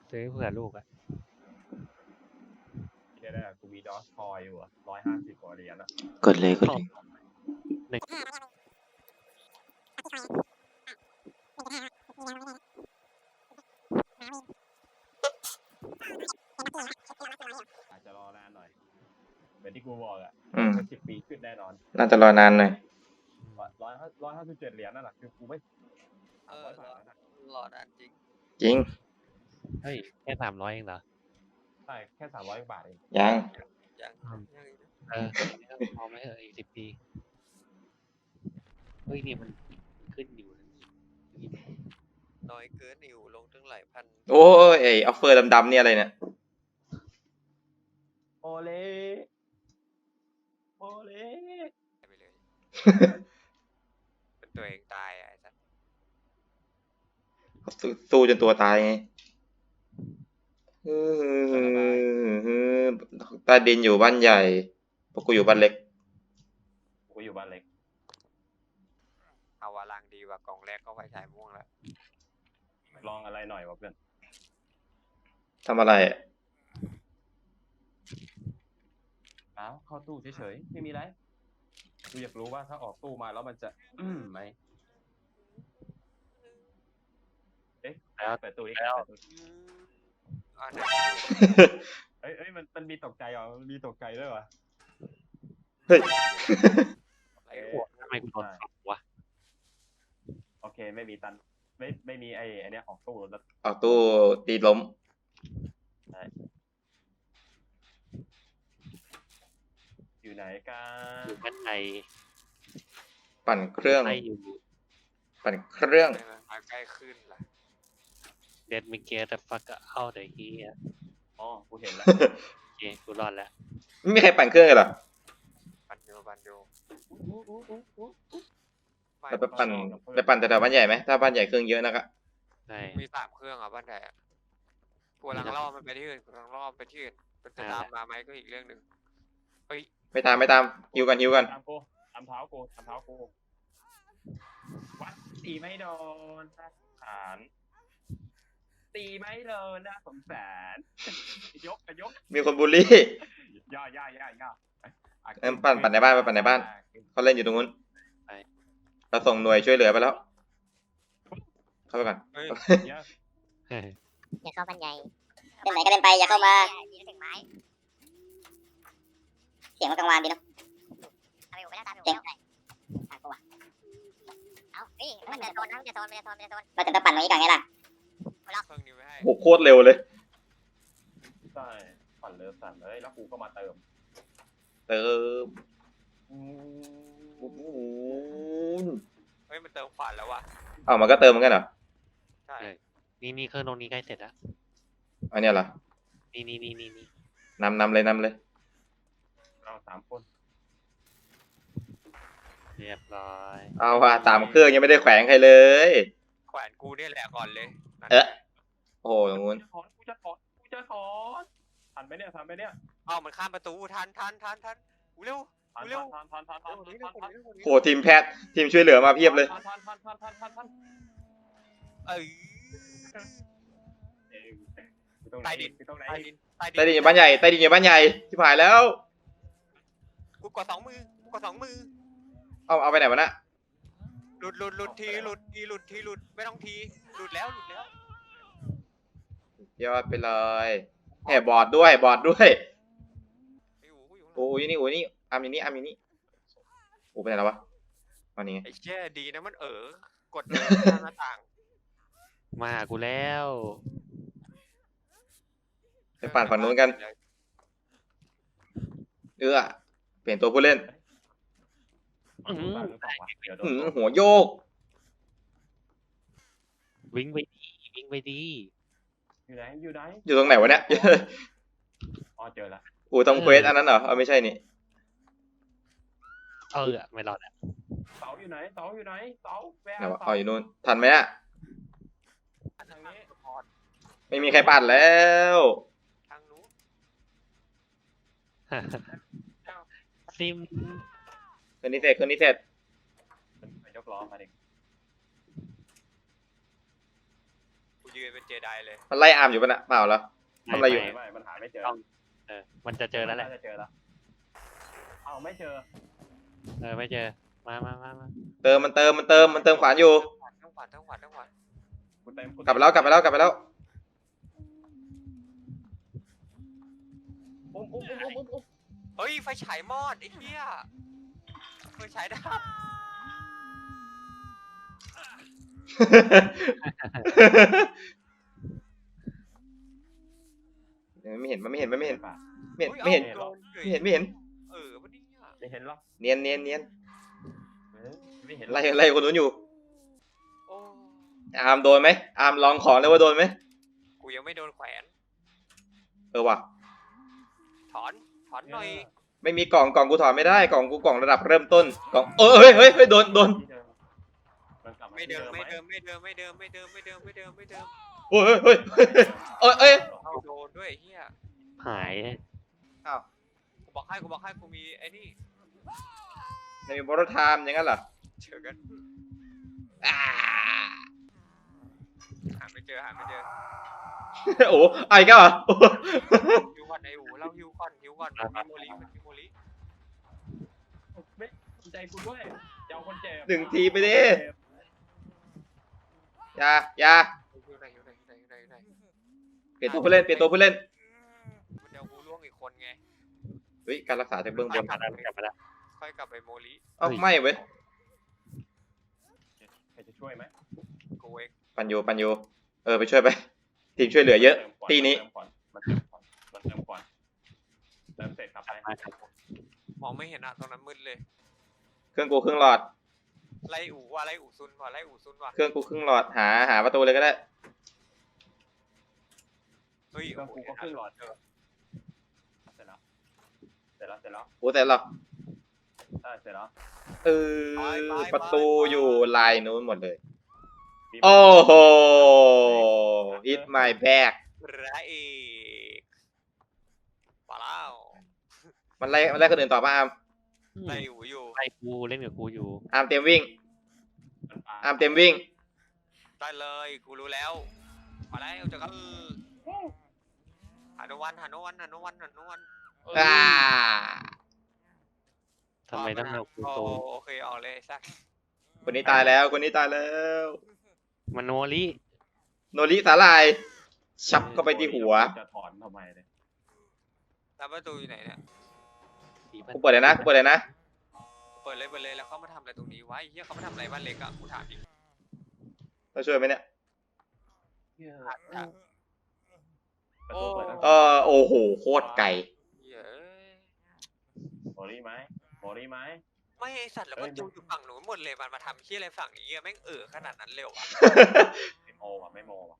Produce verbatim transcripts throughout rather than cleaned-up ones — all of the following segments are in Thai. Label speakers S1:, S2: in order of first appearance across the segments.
S1: ซื้อเผื่อลูกอะ
S2: เดี๋ยวนะกูมีดอสคอยอยู่อ่ะร้อยห้าสิบกว่าเหรียญอ่ะ
S3: กดเลยกดเลย
S2: อาจจะรอนานหน่อยเหมือนที่กูบอกอ่ะ
S3: อืม
S2: สิบปีขึ้นแน่นอน
S3: น่าจะรอนานหน่อย
S2: ร้อยห้าร้อยห้าสิบเจ็ดเหรียญนั่นแหละคือกูไม่
S4: เออ
S2: สามร้อยบาทแล้วนะ
S4: รอนานจริง
S3: จริง
S1: เฮ้ยแค่สามร้อยเองเหรอ
S2: ใช่แค่สามร้อยบาทเอง
S3: ยัง
S4: ยัง
S1: อืม
S4: ยังอีกนะ
S1: เออพอไหมเอออีกสิบปีเฮ้ยนี่มันขึ้นอยู่นะ
S4: น้อยเกินอยู่ลงถึงหลายพัน
S3: โอ้ยไอออฟเฟอร์ดำๆเนี่ยอะไรเนี่ย
S2: โอเล่โอเล่
S4: ไปเลย เป็นตัวเองตายอ่ะไอ้สัส
S3: สู้สู้จนตัวตายไงเออใต้ดินอยู่บ้านใหญ่พวกกูอยู่บ้านเล็ก
S2: กูอยู่บ้านเล็ก
S4: เอาวาลังดีกว่ากล่องแรกก็ไฟฉายม่วงแล้ว
S2: ลองอะไรหน่อยวะเพื่อน
S3: ทำอะไรอะ
S2: อ้าวเข้าตู้เฉยๆไม่มีไรกูอยากรู้ว่าถ้าออกตู้มาแล้วมันจะอืมไหมเอ๊ะเปิดตู้อีกแล้ว
S4: อืมอันไหน
S2: เอ้ยเอ้ยมันมันมีตกใจเหรอมันมีตกใจด้วยวะ
S3: เฮ้ย
S4: อะไร
S2: เอ้
S4: วะ
S1: ทำไมกูโดนปรับวะ
S2: โอเคไม่มีตันไม่ไม่มีไอ้ไอ้เนี้ยออกตู้แล้ว
S3: เอาตู้ตีล้ม
S2: อยู่ไหนกัน
S1: อยู่ด้านใน
S3: ปั่นเครื่อง
S1: ใต้อยู่
S3: ปั่นเครื่อง
S4: ทำไมมันมาใกล้ขึ้นล่ะ
S1: เด็ดมิเกตแต่ฟักเอาเดี๋ยวเฮีย
S2: อ๋อกูเห็นแล้ว
S1: โอเคกูรอดแล้ว
S3: ไม่มีใครปั่นเครื่องเลยเหรอ
S4: ปันโยปันโย
S3: ไปไปปั่นไปปั่นแต่แถวบ้านใหญ่ไหมถ้าบ้านใหญ่เครื่องเยอะนะครับ
S1: ใช่
S4: มีสามเครื่องอ่ะบ้านใหญ่อะกูกำลังล่อมันไปที่อื่นกูกำลังล่อมันไปที่อื่นมันจะตามมาไหมก็อีกเรื่องหนึ่งเฮ้ย
S3: ไม่ตามไม่ตามฮิวกันฮิวกัน
S2: ตามกูตามเท้ากูตามเท้ากูวัดตีไม่โดนน่าสงสารตีไม่โดนน่าสงสารยกยก
S3: มีคนบูลลี่
S2: ย่อย่อย่อย่อย่อ
S3: เอิ่มปั่นปั่นในบ้านไปปั่นในบ้าน เขาเล่นอยู่ตรงนู้นเราส่งหน่วยช่วยเหลือไปแล้ว เข้าไปก่อน
S4: เฮ้ย
S2: เยอะ
S1: เฮ้ย
S5: อย่าเข้าบ้านใหญ่
S6: เล่นไหนก็เล่นไปอย่าเข้ามา
S5: ยืนถึงไม้
S6: เสียงมันกังวานดีเนาะ
S5: ตามไปอยู่ไม่ได้ตามไปอยู่แล้วตามกูอ่ะเอาเฮ้ยมันจะโซนนะมันจะโซนมันจะโซนมันจะโซน
S6: เราจะต้องปั่นตรงนี้ก่อนไงล่ะ
S4: เครื่องนี้ไว้ให้
S3: โอ้โหโคตรเร็วเลย
S2: ใช่ปั่นเรือสั่นเลยแล้วกูก็มาเติม
S3: เติม
S2: อืม
S3: โอ้โห
S4: เฮ้ยมันเติมขวานแล้วว่ะ
S3: อ้าวมันก็เติมเหมือนกันเหรอ
S4: ใช่
S1: นี่นี่เครื่องตรงนี้ใกล้เสร็จแล้ว
S3: อันเนี้ยเหรอ
S1: นี่นี่นี่นี่นี่
S3: นำนำเลยนำเลย
S2: เราสามคน
S1: เรียบร้อย
S3: เอาว่ะสามเครื่องยังไม่ได้แขวนใครเลย
S4: แขวนกูเนี่ยแหละก่อนเลยนั่น
S3: เอ๊ะ โอ้โหตรงนู้น
S2: กูจะถอนกูจะถอนกูจะถอนทันไหมเนี่ยทันไหมเนี่ย
S4: เอ้ามันข้ามประตูทันทันทันทันกูเร็ว
S2: ทัน
S4: เร็ว
S2: ทันทันทันทัน
S4: เร็ว
S2: ทัน
S4: กว่า
S2: ทัน
S4: นี้เร็วกว่านี้
S3: โหทีมแพทย์ทีมช่วยเหลือมาเพียบเลย
S2: ทันทันทันทันทันทันทัน
S4: เอ้ย
S2: เอ้ยกูตรงไหน
S4: ใต้ดิน
S2: กูตรงไหน
S4: ใต้ดิน
S3: ใต้ดินอยู่บ้านใหญ่ใต้ดินอยู่บ้านใหญ่ที่ผ่านแล้ว
S4: กูกดสองมือกูกดสองมือ
S3: เอาเอาไปไหนวะน่ะ
S4: หลุดหลุดหลุดทีหลุดทีหลุดทีหลุดไม่ต้องทีหลุดแล้วหลุดแล้ว
S3: ยอดไปเลยแหมบอร์ดด้วยบอร์ดด้วย
S4: ไอ้หูกูอยู่ข้างหลัง
S3: โอ้ยนี่โอ้ยนี่อาร์มอยู่นี่อาร์มอยู่นี่โอ้ไปไหนแล้ววะอันนี้ไง
S4: ไอ้เชี่ยดีนะมันเออกดเดินข้างหน้าต่าง
S1: มาหากูแล้ว
S3: ไปปั่นฝั่งนู้นกันเอื้อเปลี่ยนตัวผู้เล่น
S1: อื้อหือ
S2: หรือเปล่าวะเดี๋ยวโดน
S3: หืม
S2: ตบ
S3: หัวโยก
S1: วิ่งไปดีวิ่งไปดี
S2: อยู่ไหนอยู่ไหน
S3: อยู่ตรงไหนวะเนี่ย
S2: อ๋อเจอละ
S3: อูทำเควสอันนั้นเหรอเอาไม่ใช่นี่
S1: เออไม่รอดอ่ะ
S2: เสาอยู่ไหนเสาอยู่ไหนเสาแวะ
S3: ไหนวะ
S2: เสา
S3: เอาอยู่นู่นทันไหมอะ
S2: ทางนี้
S3: ไม่มีใครปั่นแล้ว
S4: ทางนู้น
S1: ซิม
S3: คืนนี้เสร็จคืนนี้เสร็จ
S2: ไปยกล้อมาดิ
S4: กูยืนเป็นเจไดเลย
S3: มันไล่อาร์มอยู่ปะน่ะเปล่าเหรอ ทำอะไรอยู่
S1: ม่
S2: ไม่มันหาไม่เจอ
S1: เออ มันจะเจอแล้วแหละ
S2: น่าจะเจอแล้วเอาไม่เจอ
S1: เออ ไม่เจอ มามามามา
S3: เติมมันเติมมันเติมมันเติมขวานอยู่
S4: ทั้งขวานทั้งขวานทั้งขวาน
S2: กูเต็มกู
S3: กลับไปแล้วกลับไปแล้วกลับไปแล้ว
S2: อุ้มอุ้มอุ้มอุ้มอุ้มอุ้ม
S4: เฮ้ยไฟฉายมอดไอ้เหี้ยไฟฉายดับ
S3: ไม่เห็นมันไม่เห็นมันไม่เห็น
S2: ป่ะ
S3: ไม่เห็นไม่เห็น
S4: โดนเฉย
S3: ไม่เห็นไม่เห็น
S4: เออวันนี้
S2: ไม่เห็นหรอก
S3: เนียนเนียนเนียน
S2: เออไม่เห็นหรอก
S3: ไล่ไล่คนนู้นอยู่
S4: โอ้
S3: อาร์มโดนไหมอาร์มลองของเลยว่าโดนไหม
S4: กูยังไม่โดนแขวน
S3: เออว่ะ
S4: ถอนถอนหน่อย
S3: ไม่มีกล่องกล่องกูถอดไม่ได้กล่องกูกล่องระดับเริ่มต้นกล่องเออเฮ้ยเฮ้ยเฮ้ยโดนโดน
S2: ที่เดิมมันกลับา
S4: ไม่เดิม
S2: ที่
S4: ไม่
S2: ห
S4: เดิมไม่เดิมไม่เดิมไม่เดิมไม่เดิมไม่เดิมไม่เดิม
S3: โอ้ยเฮ้ยเฮ้ยเอ้ยเอ้ย
S4: เอาโดนด้วยไอ้เหี้ย
S1: หาย
S3: อ้าว
S4: กูบอกให้กูบอกให้กูมีไอ้นี่
S3: ในมีบอร์ไทม์อย่างนั้นเหรอ
S4: เจอกัน
S3: อ่า
S4: หาไม่เจอหาไม่เจอ
S3: โอ้ไอ้ก็เหรอ
S4: ฮิวก่อนไอ้อูเราฮิวก่อนฮิวก่อนมันมีโมลีมันมีโมลี
S2: ไม่สนใจกูด้วยจะเอาคนเจ็บ
S3: หนึ่งทีไปดิอย่าอย่า
S4: ฮิวไหนฮิวไหนฮิวไหนฮิวไหนฮิวไหน
S3: เปลี่ยนตัวผู้เล่นเปลี่ยนตัวผู้เล่น
S4: มันจะเอากูล่วงอีกคนไง
S3: เฮ้ยการรักษาจากเบื้องบ
S1: กลับ
S3: น
S1: มาแล้วกลับมาแล้ว
S4: ค่อยกลับไปโมลี
S3: เอ้าไม่เว้ย
S2: ใครจะช่วยไหม
S4: กูเอง
S3: ปันโยปันโยเออไปช่วยไปทีมช่วยเหลือเยอะ
S2: ติมก่
S3: ตีนี้
S2: เติมก่อนมันเติมก่อนมันเติมก่อนเติมเสร็จครับไป
S1: มาครับ
S4: มองไม่เห็นอะตรงนั้นมืดเลย
S3: เครื่องกูครึ่งหลอด
S4: ไล่อูว่าไล่อูซุนว่ะไล่อูซุนว่ะ
S3: เครื่องกูครึ่งหลอดหาหาประตูเลยก็ได้
S4: เฮ้ย
S2: เครื่องกูก็ขึ้นหลอดเจอเสร็จแล้วเสร็จแล้วเสร็จแล้ว
S3: โอ้แต่หรอ
S2: ใช่เสร็จแล้ว
S3: เออประตูอยู่ลายนู้นหมดเลย
S2: มี
S3: โอ้โห hit my back
S4: พระเอกมาแล้ว
S3: มันไล่มันไล่คนอื่นต่อป่ะอาร์ม
S4: ไล่อูอยู่
S1: ไล่กูเล่นกับกูอยู่
S3: อาร์มเต็มวิ่ง
S2: มันปลา
S3: อาร์มเต็มวิ่ง
S4: ได้เลยกูรู้แล้วมาแล้วเจอกันหาโนวันหาโนวันหาโนวันหาโนวัน
S3: อ่า
S1: ทำไมต้องเอากู
S4: โอ
S1: โต
S4: โอเคออกเลยสัก
S3: คนนี้ตายแล้ว คนนี้ตายแล้ว
S1: มันโนริ
S3: โนริสาลาย ชับเข้าไปที่หัว
S2: จะถอนทำไมเนี่ย
S4: แล้วประตูอยู่ไหนเนี่ย
S1: ผีมัน
S3: กูเปิดเลยนะ กูเปิดเลยนะ
S4: เปิดเลยเปิดเลยแล้วเขามาทำอะไรตรงนี้วะไอ้เหี้ยเขามาทำอะไรบ้านเล็กอะกูถามดิ
S3: เราช่วยไหมเนี่ย
S2: ประตูเปิดตั้ง
S3: เออโอ้โห โคตรไก่
S4: เหี้ยเอ้ย
S2: โมลี่ไหมโมลี่ไหม
S4: ไม่ไอสัตว์แล้วประตูอยู่ฝั่งหนูนหมดเลยมันมาทำเหี้ยอะไรฝั่งนี้อะแม่งเออขนาดนั้นเร็วอะ
S2: ไม่โมว่ะไม่โมว่ะ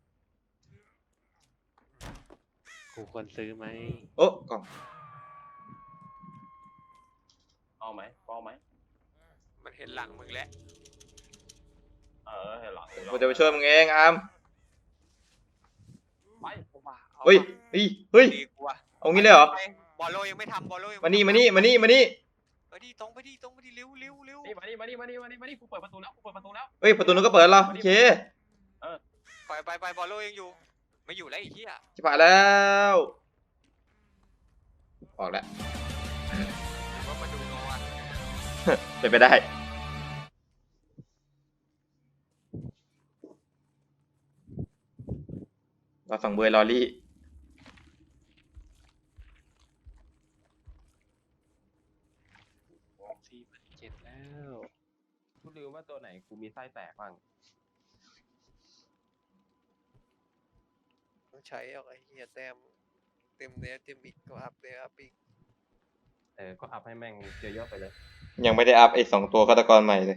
S1: กูควรซื้อไหม
S3: โอ้กล่อง
S2: เอาไหมเอาไหม
S4: มันเห็นหลังมึงแล้ว
S2: เออเห็นหลัง
S3: กูจะไปช่วยมึงเองอาร์ม
S2: ไป
S4: เอามาอา
S3: เฮ้ย
S4: มา
S3: เฮ้ย เฮ้ย
S4: ดีกว่า
S3: เอางี้เลยเหรอ
S4: บอลโลยังไม่ทำบอลโลยัง
S3: มานี่ มานี่ มานี่ มานี่
S4: เออดีตรงไปดีตรงไปดีเร็วเร็วเร็ว
S2: นี่มานี่มานี่มานี่มานี่มานี่กูเปิดประตูแล้วกูเปิดประตูแล้ว
S3: เฮ้ย ประตูนู้นก็เปิดแล้วโอเค
S4: ไปไปไปบอลโลยังอยู่ ไม่อยู่แล้วไอ้เหี้ย
S3: ชิบหายแล้ว ออกแล้ว
S4: ว่ามาดูโนวัน
S3: เป็นไปได้ เราสั่งเบอร์ลอรี่
S1: สี่พันเจ็ดแล้ว
S2: กูลืมว่าตัวไหนกูมีไส้แตกบ้าง
S4: ต้องใช้เอาไอ้เหี้ยแต้มเต็มเนื้อเต็มอีกก็อัพเนื้ออัพอีก
S2: เออก็อัพให้แม่งเยอะๆไปเลย
S3: ยังไม่ได้อัพไอ้สองตัวฆาตกรใหม่เลย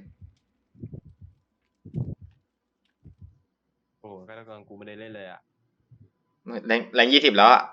S2: โอ้ฆาตกรกูไม่ได้เล่นเลยอ่ะ
S3: แรงแรงยี่สิบแล้วอ่ะ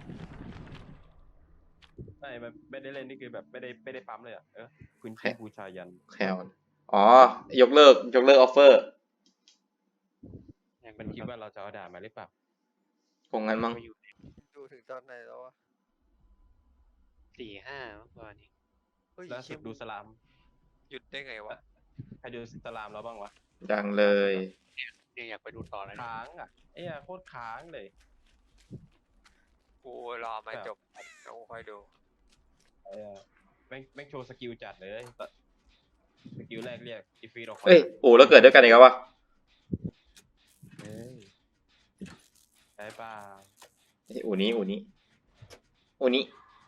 S2: ไม่ไม่ได้เล่นนี่คือแบบไม่ได้ไม่ได้ปั๊มเลยอ่ะเออคุณชื่อบูชายัน
S3: แคลนอ๋อ ยกเลิก ยกเลิกออฟเฟอร์
S1: ยัง
S2: มันคิดว่าเราจะเอาด่ามาหรือเปล่า
S3: คงงั้นมั้ง
S1: อยู่
S4: ดูถึงตอนไหนแล้ววะ
S1: สี่ห้าเมื่อวานนี้
S4: เฮ้ย
S2: ล่าสุดดูสลาม
S4: หยุดได้ไงวะ
S2: ใครดูสลามแล้วบ้างวะ
S3: ดังเลย
S1: ยังอยากไปดูต่อเลย
S2: ค้างอ่ะไอ้เหี้ยโคตรค้างเลย
S4: กูรอมาจบแล้วกูค่อยดู
S2: ไอ้เหี้ยแม่งแม่งโชว์สกิลจัดเลยแต่สกิลแรกเรียกอีฟีดออกมา
S3: เอ้ยโอ้แล้วเกิดด้วยกันอีกแล้ววะ
S2: เฮ้ยใช่ป่า
S3: เอ้ยอูนี้อูนี้อูนี้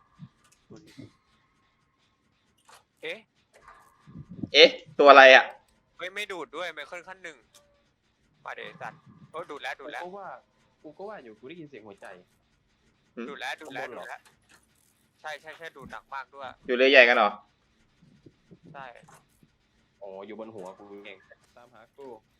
S4: เอ๊ะ
S3: เอ๊ะตัวอะไรอ่ะ
S4: เฮ้ยไม่ดูดด้วยไมเคิลขั้นหนึ่งมาเดสัตว์โอ้ดูดแล้วดูดแล้ว
S2: กูก็ว่ากูก็ว่าอยู่กูได้ยินเสียงหัวใจ
S4: ดูดแล้วดูดแล้ว
S2: ข้างบน
S4: ดู
S2: เหรอ
S4: ดแล้วใช่ใช่ใช่ดูดหนักมากด้วย
S3: อยู่เรือใหญ่กันเหรอ
S4: ใช่
S2: อ๋ออยู่บนหัวกูเองตามหากู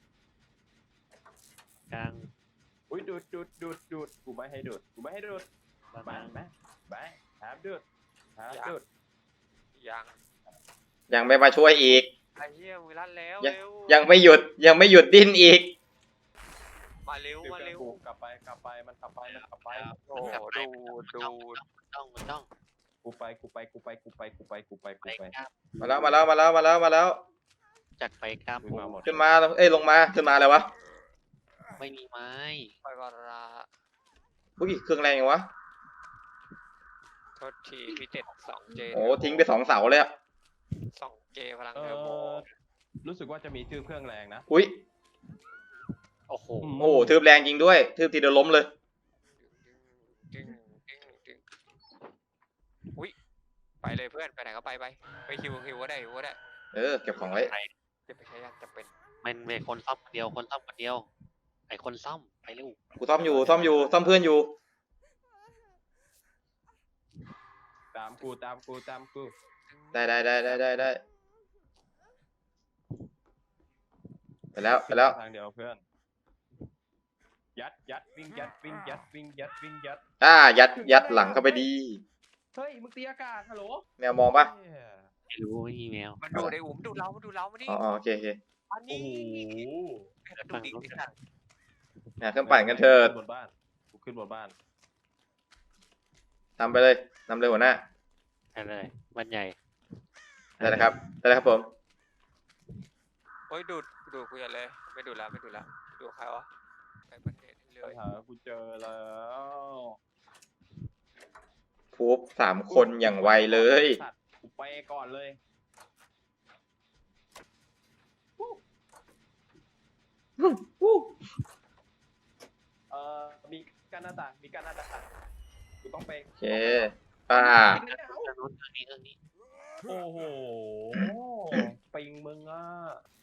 S1: กลาง
S2: อุ้ยดูดดูดดูดดูดกูไม่ให้ดูดกูไม่ให้ดูด
S1: ประ
S2: ไป
S1: มาณ
S2: ไปไปหาดูดหาดูด
S4: ยัง
S3: ยังไม่มาช่วยอีก
S4: ไอ้เหี้ยมือลั่นแล้ว
S3: ยัง
S4: เร็ว
S3: ยังไม่หยุดยังไม่หยุดดิ้นอีก
S4: มาเร็ว
S2: เดี๋ยว
S4: มา
S2: กัน
S4: เร็ว
S2: กูกลับไปกลับไปมันกลับไปมันกลับไป
S4: โอ้โหดูดดูด
S1: ต้องมันต้อง
S2: กูไปกูไปกูไปกูไปกูไปกูไปกู
S1: ไป
S2: ไป
S1: กล้าม
S3: มาแล้วมาแล้วมาแล้วมาแล้วมาแล้ว
S1: จากไปกล้าม
S2: ขึ้นมาหมด
S3: ขึ้นมาเอ้ยลงมาขึ้นมาอะไรวะ
S1: ไม่มีไม้
S4: ไปวาระ
S3: อุ้ยเครื่องแรงยังวะ
S4: โทษทีพี่เจ็ดสองเจ
S3: โอ้ทิ้งไปสองเสาเลยอะ
S4: สองเจพลัง
S2: เอ
S4: เทอร์โบ
S2: อรู้สึกว่าจะมีทืบเครื่องแรงนะ
S3: อุ้ย
S1: โอ้โห
S3: โอ้ทืบแรงจริงด้วยทืบทีเดียวล้มเลย
S4: ดึงดึงดึงอุ้ยไปเลยเพื่อนไปไหนก็ไปไปไปคิวคิวก็ได้คิวก็ได้
S3: เออเก็บของไว้
S4: จะไปใช้ยากจะเป็น
S1: มันเป็นคนซ่อมคนเดียวคนซ่อมคนเดียว ไอคนซ่อมไปเร็ว
S3: กูซ่อมอยู่ซ่อมอยู่ซ่อมเพื่อนอยู่
S2: ตามกูตามกูตามกู
S3: ได้ได้ได้ได้ได้ได้ไปแล้วไปแล้ว
S2: ทางเดียวเพื่อนยัดยัดวิ่งยัดวิ่งยัดวิ่งยัดวิ่งยัด
S3: อ่ายัดยัดหลังเข้าไปดี
S2: เฮ้ยมึงตีอากาศฮัลโหล
S3: แมวมองปะ
S2: เหี้ย
S1: ไม่รู้ไม่มีแมว
S4: มันดูไอ้อุ๋มดูเรามันดูเรามาดิ
S3: อ๋ออ๋อโอเคโอเค
S4: อัน
S2: โอ้
S4: นี้
S2: โห
S4: ดูดิไอ้สัตว์
S3: อ่ะเครื่องปั่นกันเถิด
S2: ขึ้นบนบ้านกูขึ้นบนบ้าน
S3: นำไปเลยนำเลยหัวหน้า
S1: นั่นเลยมันใหญ่
S3: ได้แล้วครับได้แล้วครับผม
S4: เฮ้ยดูดดูดกูอย่าเลยไม่ดูดแล้วไม่ดูดแล้วดูใครวะไปประเทศเล
S2: ปัญ
S4: ย
S2: หากูเจอแล้ว
S3: ฟูบสามคนอย่างไวเลย
S2: สัตว์กูไปก่อนเลยเอ่อมีการหน้าต่างมีการหน้าต่างกูต้องไป
S3: โอเคป้า
S1: เครื่องนู้นเครื่องนี้เครื่องนี้
S2: โอ้โหปิงมึงอ่ะ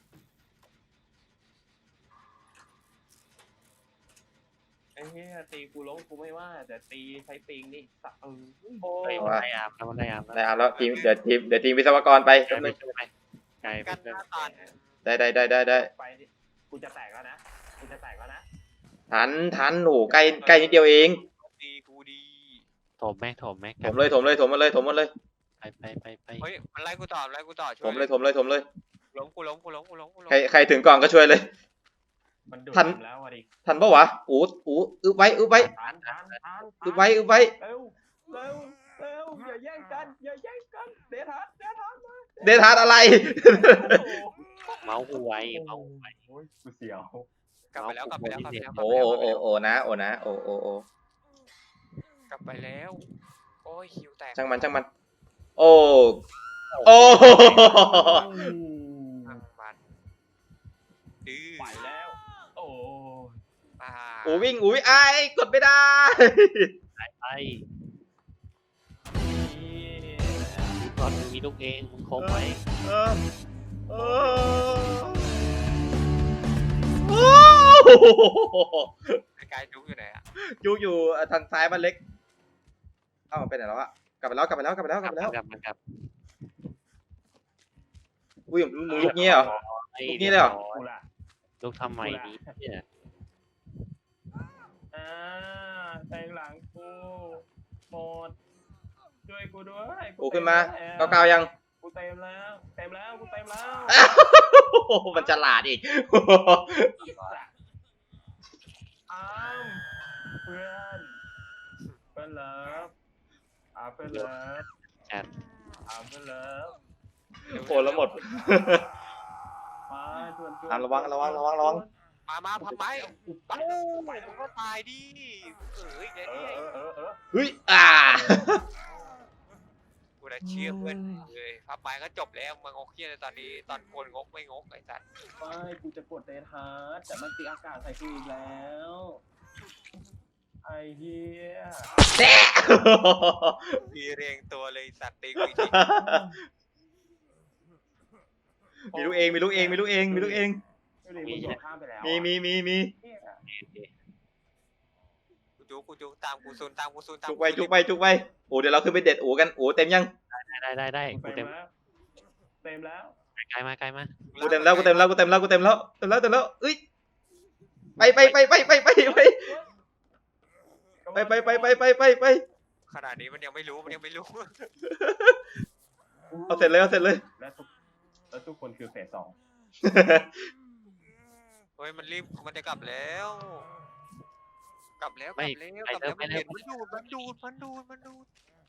S2: ไอ้เหี้ยตีกูล้มกูไม่ว่าแต่ตีใช้ปิงนี่สะเออ
S1: เฮ้ยมันได้อาบแล้วมันได้อาบแล้ว
S3: ได้เอาแล้วทีมเดี๋ยวทีมเดี๋ยวทีมวิศวกรไป
S1: กลาย
S3: แป๊บ
S1: ไป
S3: นึง
S1: ช่วยไปกลายไป
S4: กันห
S1: ช่วย
S4: น้าตัน
S3: ได้ได้ได้ได้ได้
S2: ไปดิกูจะแตกแล้วนะกูจะแตกแล้วนะ
S3: ทันทันหนูใกล้ใกล้นิดเดียวเอง
S4: ดีกูดี
S1: ถมแม็กถมแม็ก
S3: ถมเลยถมเลยถมมาเลยถมมาเลย
S1: ไปไปไปไป
S4: เฮ้ยมันไล่กูต่อไล่กูต่อช่
S3: ถ
S4: วย
S3: มเลยถมเลยถมเลย
S4: ล้มกูล้มกูล้มกูล้มกูล้ม
S3: ใครใครถึงก่อนก็ช่วยเลย
S2: มันดูด
S3: ทัน
S2: แล้วอ่ะดิ
S3: ทันปะวะอูดอูดอึบไว้อึบไว้
S2: ทานทานทาน
S3: อึบไว้อึบไว้
S2: เร็วเร็วเร็วอย่าแย่งกันอย่าแย่งกันเดทัสเดทัสมา
S3: เดทาร์ดอะไร
S1: เมาส์กูไวเมาส์กูไว
S2: โอ้ยกูเสียว
S4: กลับไปแล้วกลับไปแล้วกลับไปแล้ว
S3: โอ้โอโอโอนะโอนะโอโอโอก
S4: ลับไปแล้วโอ้ยคิวแตก
S3: ช่างมันช่างมัน โอ้โอ้
S4: ช่างมันดื้อ
S2: ไปแล้วโอ้ย
S4: อ่า
S3: อูวิ่งอูวิ่งไอ้ายกดไม่ได้
S1: ไปตอนมึงมีลูกเองมึงคมไหม
S3: เออเออโอ้
S4: ไอ้กายจุกอยู่ไหนอ่ะ
S3: อยู่อยู่ทางซ้ายบ้านเล็กเอ้าไปไหนแล้วอะกลับไปแล้วกลับไปแล้วกลับไปแล้วกลับไปแล้ว
S1: กลับมันกลับ
S3: อุ้ยมึงลุกเงี้ยเหรอ ลูกนี้เลยเหรอ
S2: กูล่ะ
S1: ลูกทำไมนี้เนี่ย
S2: อ่าแทงหลังกูหมดช่วยกูด้วย
S3: โอ้ขึ้นมา
S2: เต็
S3: เก้า
S2: แล้ว
S3: เก้ายัง
S2: กูเต็มแล้วเต็มแล้วกูเต็มแล้ว
S3: โอ้โหมันฉลาดอีก
S2: อ้าวเพื่อนเพื่อนเลิฟอ่าเพื่อนเลิฟ
S1: จัด
S2: อ่าเพื่อนเลิฟ
S3: โอ้แล้วหมด
S2: มาชวนชวน
S3: อ่ะระวังระวังระวังระวัง
S4: ไปมามาพับไม้เอ้ามึงก็ตายดิเอ้ยเดี๋ยว
S2: เอ
S4: นี้
S2: อเออเออ
S3: เฮ้ยอ่า
S4: กูได้เชื่อเพื่อนเลยพับไม้ก็จบแล้วมึงงกเฮียในตอนนี้ตอนคนงกไม่งกไอ้สัตว์
S2: ไม่กูจะกดเดทฮาร์ดแต่มันตีอากาศใส่กูอีกแล้วไอ้เหี้ย
S3: แน่
S4: มีเรียงตัวเลยสัตว์ตีกูอีกที
S3: มีลูกเองมีลูกเองมีลูกเองมีลูกเอง
S2: ไม่เลยมึงโดดข้ามไปแล้ว
S3: มีมีมีมี
S2: เหี้ย
S4: กูจุกกูจุกตามกูซูนตามกูซูนตาม
S3: จุกไปจุกไปจุกไปโอ้เดี๋ยวเราขึ้นไปเด็ดโอ้กันโอ้เต็มยัง
S1: ได้ได้ได้
S2: กู
S1: กู
S2: เต็
S1: เต็
S2: ม
S1: ม
S2: แล้วเต็มแล้ว
S1: ไกลมาไกลมา
S3: กูเต็มแล้วกูเต็มแล้วกูเต็มแล้วกูเต็มแล้วเต็มแล้วเต็มแล้วเอ้ยไปไปไปไปไปไปไปไปไปไปไปไปไปไป
S4: ขนาดนี้มันยังไม่รู้มันยังไม่รู้
S3: เอาเสร็จเลยเอาเสร็จเลย
S2: และทุกและทุกคนคือเฟสสอง
S4: เฮ้ยมันรีบมันจะกลับแล้ว กลับแล้วกลับแล้วกลับแล้วมันเห็นมันดูดมันดูดมันดูดมันดูด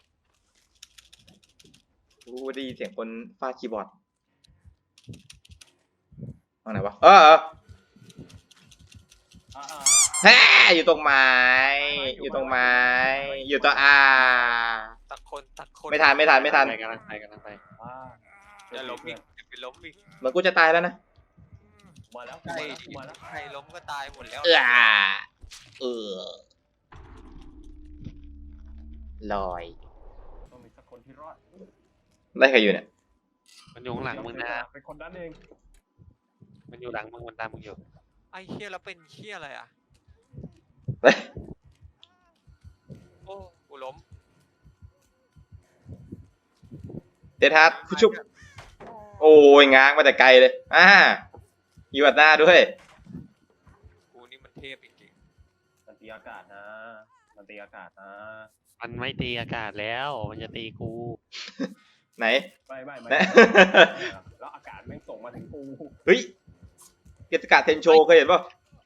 S3: กูได้ยินเสียงคนฟาดคีย์บอร์ดตรงไหนวะเออเออ
S2: อ่า
S3: แฮ่อยู่ตรงไม้อยู่ตรงไม้อยู่ตัวอา
S4: ตักคนตักคน
S3: ไม่ทันไม่ทันไม่ทัน
S1: ไปกำลังไปกำลังไป
S2: อ่า
S4: จะล้มอีกจะไปล้มอีก
S3: เหมือนกูจะตายแล้วนะ
S2: มาแล้ว
S4: ใคร
S2: มาแล้ว
S4: ใครล้มก็ตายหมดแล้ว
S3: เออเออลอย
S2: ต้องมีสักคนที่รอด
S3: ไล่ใครอยู่เนี่ย
S1: มันอยู่ข้างหลังมึงนะ
S2: เป็นคนด้านเอง
S1: มันอยู่หลังมึงมันตามมึงอยู่
S4: ไอ้เฮียแล้วเป็นเฮียอะไรอ่ะ
S3: เฮ้ย
S4: โอ้กูล้ม
S3: เดทัสผู้ชุบโอ้ยง้างมาแต่ไกลเลยอ่าอยู่อัดหน้าด้วย
S4: กูนี่มันเทพจริง
S2: มันตีอากาศนะมันตีอากาศนะ
S1: มันไม่ตีอากาศแล้ว มันจะตีกู
S3: ไหน
S2: ไม่ไม่ไม่
S3: นะ
S2: แล้วอากาศแม่งส่งมาถึงกู
S3: เฮ้ยเกียรติกาศเทนโชเคยเห็นป่ะ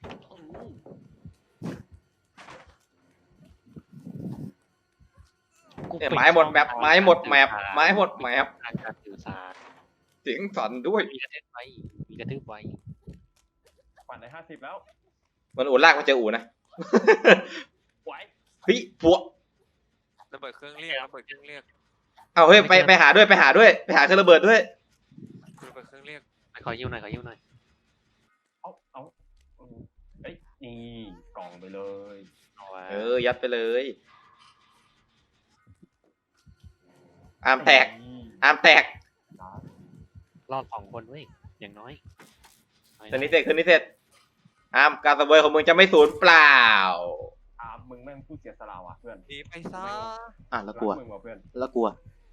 S3: เนี่ยไม้หมดแมปไม้หมดแมปไม้หมดแมป
S1: ทางการสื่อสาร
S3: เสียงสั่นด้วย
S1: มีกระทืบไว้มีกระทืบไว้
S2: ปั่นได้ห้าสิบแล้ว
S3: มันอู่ลากมาเจออู่นะ
S2: ไหว
S3: เฮ้ยผัว
S4: ๆระเบิดเครื่องเรียกระเบิดเครื่องเรียก
S3: เอาเฮ้ยไปไปหาด้วยไปหาด้วยไปหาเครื่องระเบิดด้วย
S4: ระเบิดเครื่องเรียก
S1: ขอยิ้วหน่อยขอยิ้วหน่อย
S2: เอาเอาเอ้ยนี่กล่องไปเลย
S1: เอาไว้
S3: เออยัดไปเลยอามแตกอามแตก
S1: รอดสองคนเว้ยอย่างน้อย
S3: คืนนี้เสร็จคืนนี้เสร็จอามการสเวยของมึงจะไม่สูญเปล่า
S2: อามึงแม่งพูดเสียสละว่ะเพื่อน
S4: หนีไปซะ
S3: อ่ะแล้วกลัว
S2: รัมึงว่ะเพื่อน
S3: แล้วกลัว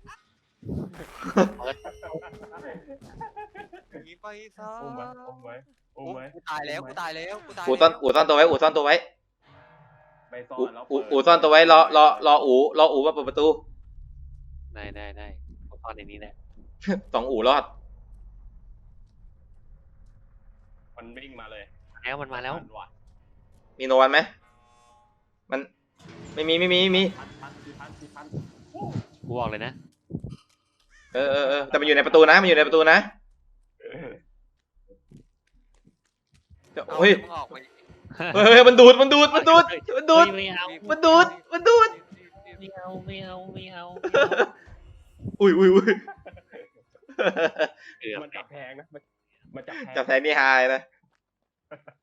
S4: หนีไปซะ
S2: อุ้มไว้อุ้มไว้อุ้มไว้
S4: กูตายแล้วกูตายแล้วกูตาย
S3: อู่ซ่อนอู่ซ่อนตัวไว้อู่ซ่อนตัวไว้
S2: ไปซ่อ
S3: อู่
S2: นแล้ว
S3: อู่
S2: เปิด
S3: อู่ซ่อนตัวไว้รอรอรออู่รออู่มาเปิดประตู
S1: ได้ได้ได้ผมตอนในนี้แหละ
S3: สองอู่รอด
S2: มันวิ่งมาเลย
S1: แล้วมันมาแล้ว
S2: ทันว่ะ
S3: มีโนวันไหมมันไม่มีไม่มีไม่มี
S2: ทันทันคือทันคือทัน
S1: กูบอกเลยนะ
S3: เออเออเออแต่มันอยู่ในประตูนะมันอยู่ในประตูนะ
S2: เออ
S4: เอา
S3: เฮ้ย
S4: มึงออกไป
S3: เฮ้ยมันดูดมันดูดมันดูดมันดูด
S1: ไม่เอา
S3: มันดูดมันดูด
S1: ไม่เอาไม่เอาไม่เอา
S3: อุ้ยอุ้ยอุ้ย
S1: เกือบ
S2: มันจับแพงนะมันมันจับแพง
S3: จับแทนนี่ไฮนะ